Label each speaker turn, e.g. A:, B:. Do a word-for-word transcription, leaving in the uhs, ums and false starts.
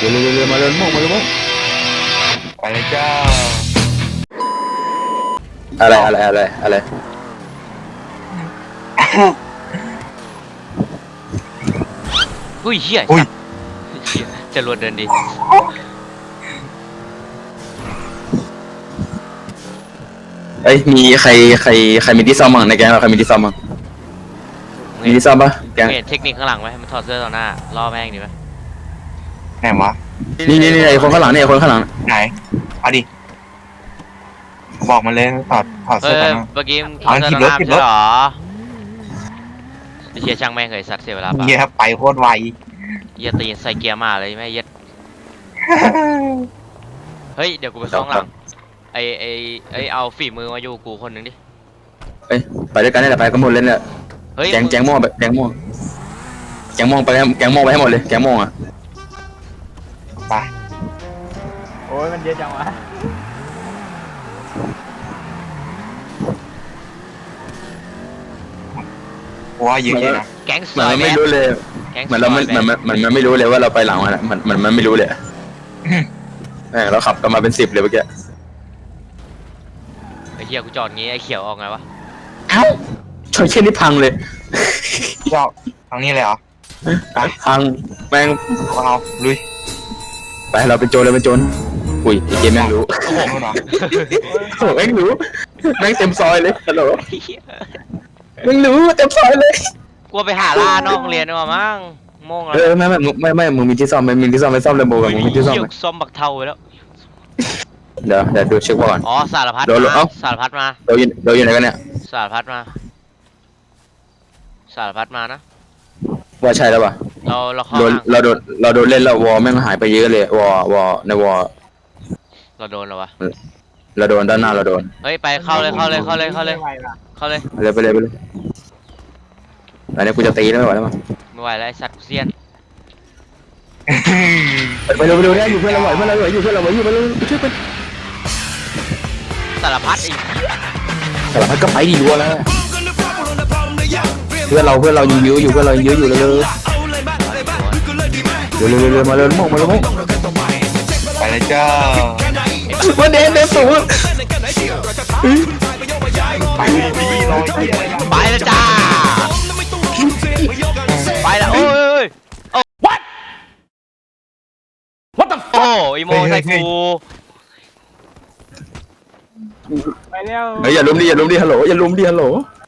A: ร็วเร็วเร็วมาเร็วโม่งมาเร็วโม่ง
B: ไปเลยจ้า
A: อะไรอะไรอะไรอะไร
C: อุ้ยเหี้ย
B: อุ้ย
C: เหี้ยจะรวดเดินดี
A: เอ้ยมีใครใครใครมีที่ซ่อมบ้างในแก๊งเราใครมีที่ซ่อมบ้างมีที่ซ่อมปะแก๊ง
C: เห็นเทคนิคข้างหลังไหมมันถอดเสื้อต่อหน้าล่อแม่งดีไหม
B: ไหนวะ
A: นี่นี่นี่ไอ้คนข้างหลังนี่ไอ้คนข้างหลัง
B: ไหนเอาดิบอกมาเลยถอดถอด
C: เฮ้
B: เสื้อย ก่อนนะ
C: เมื่อกี้มึงถ
B: เอา
C: อดเสื้อ
B: ผิ
C: ต่
B: ด
C: อห
B: รถ
C: น้า
B: ผิ
C: ไม่
B: ดรถ
C: ใช่เหรอไอ้เชียช่างแม่งเคยสัตว์เสียเวลาเปล่า
B: เฮียไปโคตรไว
C: เหี้ยตีนใส่เกียร์มาเลยแม่เหี้ยเฮ้ยเดี๋ยวกูไปซ่องหลังไอไอไอเอาฝีมือมาอยู่กูคนหนึ่งดิ
A: เอ้ยไปด้วยกันนี่แหละไปกันหมดเลยเนี่ย
C: เฮ้ย
A: แก๊งแก๊งม่วงไปแก๊งม่วงแก๊งม่วงไปแก๊งม่วงไปให้หมดเลยแก๊งม่วงอ่ะ
B: ไป
D: โอ้ยมันเยอะจังวะ
B: เพราะว่าเยอะเลยนะ
C: แก๊งซ
A: เหมือ
C: อน ย
A: มัน
C: แบ
A: ไม่
C: บ
A: รู้เลย
C: แก๊ง
A: เหมือนเราไม่
C: ซอย
A: เหมื
C: แบ
A: อบ นมันมันมันไม่รู้เลยว่าเราไปหลังมันอะมันมันมันไม่รู้เลยแม่งเราขับกันมาเป็นสิบเลยเมื่อกี้
C: ไอ้เหี้ยกูจอดงี้ไอ้เขียวออกไงวะ
A: เอ้าชนเช่นนี้พังเลย
B: ชอบทางนี้เลยเหรอ
A: พังแม่ง
B: เอาลุย
A: ไปเราเป็นโจรเราเป็นโจรอุ้ยไอ้เกมแม่งรู้
B: โอ้โหนู่นเหรอ
A: โอ้แม่งรู้แม่งเต็มซอยเลยฮัลโหล
C: ไอ้เหี้ย
A: แม่งรู้เต็มซอยเลย
C: กลัวไปหาล่านอกโรงเรียนดีกว่ามั้งโม่งแล้ว
A: เออไม่ไม่ไม่ไม่มึงมีที่ซ่อมไหมมีที่ซ่อมไหมซ่อมเรนโบว์กับมึงมีที่ซ่อม
C: เหี้ย
A: ไหม
C: ซ่อมบักเทาไปแล้ว
A: เดี๋ยวเดี๋ยวดูเช็คก่อน
C: อ๋อสารพัด
A: โดน
C: มา
A: เอ้า
C: สารพัดมา
A: เราอยู่เราอยู่ไหนกันเนี่ย
C: สารพัดมาสารพัดมานะ
A: ว่าใช่แล้วป่ะ
C: เราเราเข้า
A: โดน
C: ห่าง
A: เราโดนเราโดนเล่นแล้ววอลแม่งหายไปเยอะเลยวอลวอลในวอล
C: เราโดนแล้ววะ
A: เราโดนด้านหน้าเราโดน
C: เฮ้ยไปเข้าเลยเข้าเลยเข้าเลยเข้าเลยเข้าเลย
A: ไปเลยไปเลยไปเลยอันนี้กูจะตีแล้วไม่ไหวแล้วมั้ง
C: ไม่ไหวแล้วไอ้สัตว์กูเซียน
A: ไปเร็วไปเร็วเนี่ยอยู่เพื่อนเราไหวเพื่อนเราไหวอยู่เพื่อนเราไหวอยู่ไปเร็วไปช่วยกัน
C: สารพัดอีก
A: สารพัดก็ไปดีรัวแล้วเพื่อนเราเพื่อนเรายิงเยอะอยู่เพื่อนเรายิงเยอะอยู่เร็วเร็วเร็วเร็วเร็วมาเร็วโม่งมาเร็วโม่ง
B: ไปเลยจ้า
A: วันเดนเดนสูง
B: ไปดีรอเฮียอะไรล่ะ
C: ไปแล้วจ้าไปแล้วโอ้ยโอ้ what what the fuck โอ้อีโมใส่กู
D: ไปเร็ว
A: เฮ้ยอย่าลุมดิอย่าลุมดิฮัลโหลอย่าลุมดิฮัลโหล